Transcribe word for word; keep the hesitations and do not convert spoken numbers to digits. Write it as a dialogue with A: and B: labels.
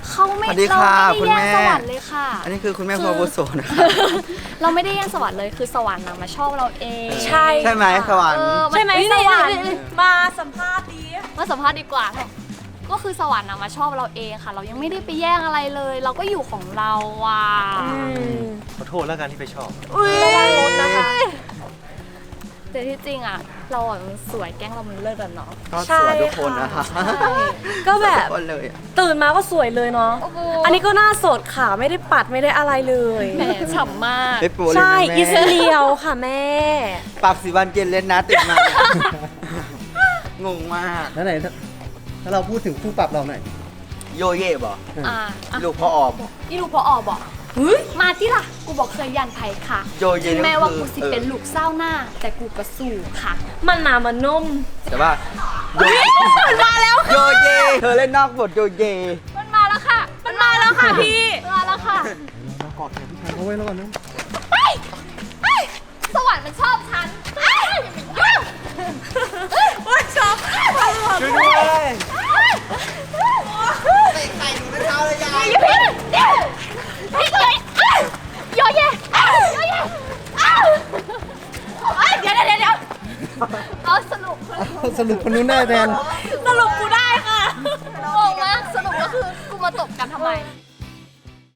A: เขาไม่
B: สวัสดี
A: เรา
B: ค่ะ
A: ไม่ได้
B: คุณ
A: แย่ง
B: แม่
A: สวรรค์เลยค่ะ
B: อันนี้คือคุณแม่พอบุโสนะคะ
A: เราไม่ได้แย่งสวรรค์เลยคือสวรรค์นะมาชอบเราเอง
C: ใช่
B: ใช่ไหมสวรรค์
A: เออ
C: ใช่ไหม
A: เอ้ย
C: สวรรค์
A: เอ้ยเอ้ย
C: มาสัมภาษณ์ดี
A: มาสัมภาษณ์ดีกว่าก็คือสวรรค์นะมาชอบเราเองค่ะ เรายังไม่ได้ไปแย่งอะไรเลย เราก็อยู่ของเราอ่ะ
D: ขอโทษแล้วกันที่ไปชอบ
A: ระวังรถนะคะแต่ที่จริงอ่ะ เราอ่ะมันสวยแก๊งเรามันเลิศอะเนาะ
B: ก็สวยทุกคนนะคะ
C: ก็แบบ
B: ทุกคนเลยอะ
C: ตื่นมาก็สวยเลยเนาะ
A: โอ้โห
C: อันนี้ก็หน้าสดค่ะไม่ได้ปัดไม่ได้อะไรเลย
A: แหมฉ่ำมาก
B: ไม่ปูเลย
C: ใช่
B: นะแม่
C: อิสเรียวค่ะแม่
B: ปรับสีวันเกณฑ์เล่นนะตื่นมาเนี่ยงงมาก
E: แล้วไหนถ้าถ้าเราพูดถึงคู่ปรับเราหน่อย
B: โยเย่บอก
A: อ่าอ่ะ
B: ลูกพ่อออบอก
A: นี่ลูกพออบอกมาที่ล่ะ กูบอกเคยยันไผ่ค่ะ
B: โยเย่
A: ถึงแม้ว่ากู
B: คือ
A: สิ
B: เออ
A: เป็นลูกเศร้าหน้า แต่กูก็สู้ค่ะ
C: มันหนามันนุ่ม
B: แต่ว่าโย
C: มันมาแล้ว
B: โยเย่เธอเล่นนอกบทโยเย่
A: มันมาแล้วค่ะ
C: มันมาแล้วค่ะพี่
A: มาแล้วค่ะ
E: เรากอดแขนพี่ชายเขาไว้แล้วกันนะ
A: สวรรค์มันชอบฉันเอ้ยอย่ามายุ่ง
C: โอ้ยชอบ
B: ช่วยด้วยเตะไข่หนูในเท้าเลยยาย
A: อย่าพี่พี่เลยโยเย่โยเย่เอ้ยเดี๋ยวเดี๋ยวเดี๋ยวเอาสรุป
E: สรุปคนนู้นได้แทน